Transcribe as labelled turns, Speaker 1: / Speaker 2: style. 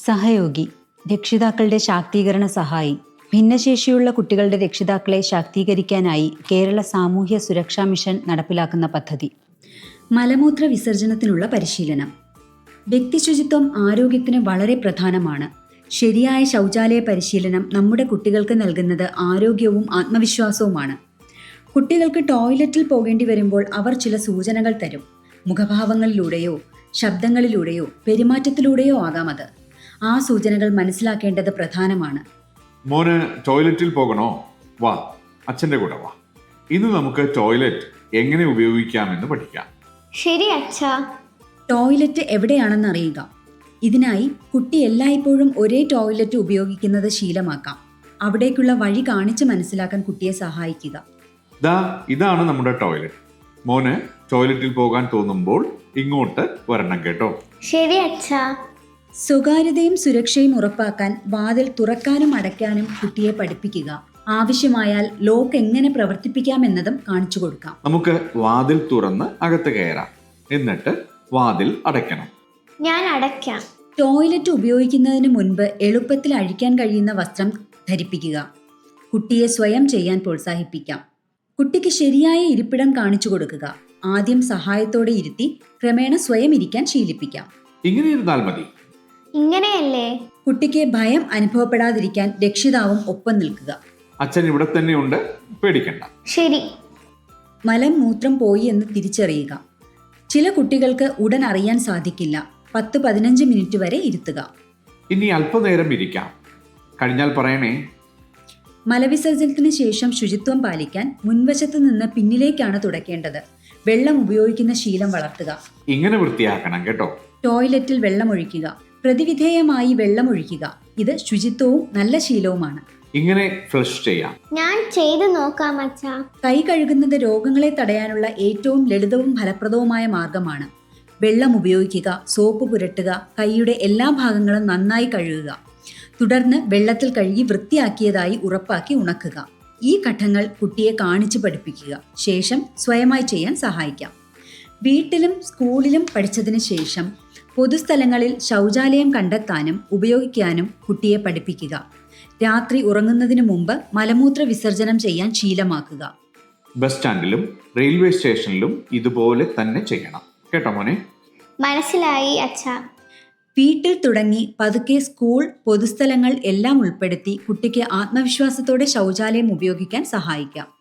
Speaker 1: സഹയോഗി, രക്ഷിതാക്കളുടെ ശാക്തീകരണ സഹായി. ഭിന്നശേഷിയുള്ള കുട്ടികളുടെ രക്ഷിതാക്കളെ ശാക്തീകരിക്കാനായി കേരള സാമൂഹ്യ സുരക്ഷാ മിഷൻ നടപ്പിലാക്കുന്ന പദ്ധതി. മലമൂത്ര വിസർജനത്തിനുള്ള പരിശീലനം. വ്യക്തിശുചിത്വം ആരോഗ്യത്തിന് വളരെ പ്രധാനമാണ്. ശരിയായ ശൗചാലയ പരിശീലനം നമ്മുടെ കുട്ടികൾക്ക് നൽകുന്നത് ആരോഗ്യവും ആത്മവിശ്വാസവുമാണ്. കുട്ടികൾക്ക് ടോയ്ലറ്റിൽ പോകേണ്ടി വരുമ്പോൾ അവർ ചില സൂചനകൾ തരും. മുഖഭാവങ്ങളിലൂടെയോ ശബ്ദങ്ങളിലൂടെയോ പെരുമാറ്റത്തിലൂടെയോ ആകാം അത്. ആ സൂചനകൾ മനസ്സിലാക്കേണ്ടത് പ്രധാനമാണ്.
Speaker 2: മോന് ടോയ്ലറ്റിൽ പോകണോ? വാ, അച്ഛൻ്റെ കൂടെ വാ. ഇന്ന് നമുക്ക് ടോയ്ലറ്റ് എങ്ങനെ ഉപയോഗിക്കാമെന്ന് പഠിക്കാം.
Speaker 3: ശരി അച്ഛാ.
Speaker 1: ടോയ്ലറ്റ് എവിടെയാണെന്ന് അറിയുക. ഇതിനായി കുട്ടി എല്ലായ്പ്പോഴും ഒരേ ടോയ്ലറ്റ് ഉപയോഗിക്കുന്നത് ശീലമാക്കാം. അവിടേക്കുള്ള വഴി കാണിച്ച് മനസ്സിലാക്കാൻ കുട്ടിയെ സഹായിക്കുക.
Speaker 2: ഇതാണ് നമ്മുടെ ടോയ്ലറ്റ്. മോന് ടോയ്ലറ്റിൽ പോകാൻ തോന്നുമ്പോൾ ഇങ്ങോട്ട് വരണം കേട്ടോ.
Speaker 3: ശരി അച്ഛാ.
Speaker 1: സ്വകാര്യതയും സുരക്ഷയും ഉറപ്പാക്കാൻ വാതിൽ തുറക്കാനും അടയ്ക്കാനും കുട്ടിയെ പഠിപ്പിക്കുക. ആവശ്യമായാൽ ലോക്ക് എങ്ങനെ പ്രവർത്തിപ്പിക്കാമെന്നതും കാണിച്ചു കൊടുക്കാം.
Speaker 2: നമുക്ക് വാതിൽ തുറന്ന് അകത്ത് കയറാം, എന്നിട്ട് വാതിൽ അടയ്ക്കണം.
Speaker 3: ഞാൻ അടയ്ക്കാം.
Speaker 1: ടോയ്ലറ്റ് ഉപയോഗിക്കുന്നതിന് മുൻപ് എളുപ്പത്തിൽ അഴിക്കാൻ കഴിയുന്ന വസ്ത്രം ധരിപ്പിക്കുക. കുട്ടിയെ സ്വയം ചെയ്യാൻ പ്രോത്സാഹിപ്പിക്കാം. കുട്ടിക്ക് ശരിയായ ഇരിപ്പിടം കാണിച്ചു കൊടുക്കുക. ആദ്യം സഹായത്തോടെ ഇരുത്തി ക്രമേണ സ്വയം ഇരിക്കാൻ ശീലിപ്പിക്കാം.
Speaker 2: ഇങ്ങനെ ഇരുന്നാൽ മതി.
Speaker 3: ഇങ്ങനെയല്ലേ?
Speaker 1: കുട്ടിക്ക് ഭയം അനുഭവപ്പെടാതിരിക്കാൻ രക്ഷിതാവും ഒപ്പം നിൽക്കുക.
Speaker 2: അച്ഛൻ ഇവിടെ തന്നെയുണ്ട്, പേടിക്കണ്ട.
Speaker 3: ശരി.
Speaker 1: മലം മൂത്രം പോയി എന്ന് തിരിച്ചറിയുക. ചില കുട്ടികൾക്ക് ഉടൻ അറിയാൻ സാധിക്കില്ല. 10-15 മിനിറ്റ് വരെ ഇരുത്തുക.
Speaker 2: ഇനി അല്പനേരം ഇരിക്കാം. കഴിഞ്ഞാൽ പറയണേ.
Speaker 1: മലവിസർജനത്തിന് ശേഷം ശുചിത്വം പാലിക്കാൻ മുൻവശത്ത് നിന്ന് പിന്നിലേക്കാണ് തുടയ്ക്കേണ്ടത്. വെള്ളം ഉപയോഗിക്കുന്ന ശീലം വളർത്തുക.
Speaker 2: ഇങ്ങനെ വൃത്തിയാക്കണം കേട്ടോ.
Speaker 1: ടോയ്ലറ്റിൽ വെള്ളമൊഴിക്കുക. പ്രതിവിധേയമായി വെള്ളമൊഴിക്കുക. ഇത് ശുചിത്വവും നല്ല ശീലവുമാണ്.
Speaker 2: ഇങ്ങനെ ഫ്ലഷ് ചെയ്യാം.
Speaker 3: ഞാൻ ചെയ്തു നോക്കാം അച്ഛാ.
Speaker 1: കൈ കഴുകുന്നത് രോഗങ്ങളെ തടയാനുള്ള ഏറ്റവും ലളിതവും ഫലപ്രദവുമായ മാർഗമാണ്. വെള്ളം ഉപയോഗിക്കുക, സോപ്പ് പുരട്ടുക, കൈയുടെ എല്ലാ ഭാഗങ്ങളും നന്നായി കഴുകുക. തുടർന്ന് വെള്ളത്തിൽ കഴുകി വൃത്തിയാക്കിയതായി ഉറപ്പാക്കി ഉണക്കുക. ഈ ഘട്ടങ്ങൾ കുട്ടിയെ കാണിച്ചു പഠിപ്പിക്കുക. ശേഷം സ്വയമായി ചെയ്യാൻ സഹായിക്കാം. വീട്ടിലും സ്കൂളിലും പഠിച്ചതിന് ശേഷം പൊതുസ്ഥലങ്ങളിൽ ശൗചാലയം കണ്ടെത്താനും ഉപയോഗിക്കാനും കുട്ടിയെ പഠിപ്പിക്കുക. രാത്രി ഉറങ്ങുന്നതിന് മുമ്പ് മലമൂത്ര വിസർജനം ചെയ്യാൻ ശീലമാക്കുക.
Speaker 2: ബസ് സ്റ്റാൻഡിലും റെയിൽവേ സ്റ്റേഷനിലും ഇതുപോലെ തന്നെ ചെയ്യണം കേട്ടോ മോനെ.
Speaker 3: മനസ്സിലായി അച്ഛാ.
Speaker 1: വീട്ടിൽ തുടങ്ങി പതുക്കെ സ്കൂൾ, പൊതുസ്ഥലങ്ങൾ എല്ലാം ഉൾപ്പെടുത്തി കുട്ടിക്ക് ആത്മവിശ്വാസത്തോടെ ശൗചാലയം ഉപയോഗിക്കാൻ സഹായിക്കാം.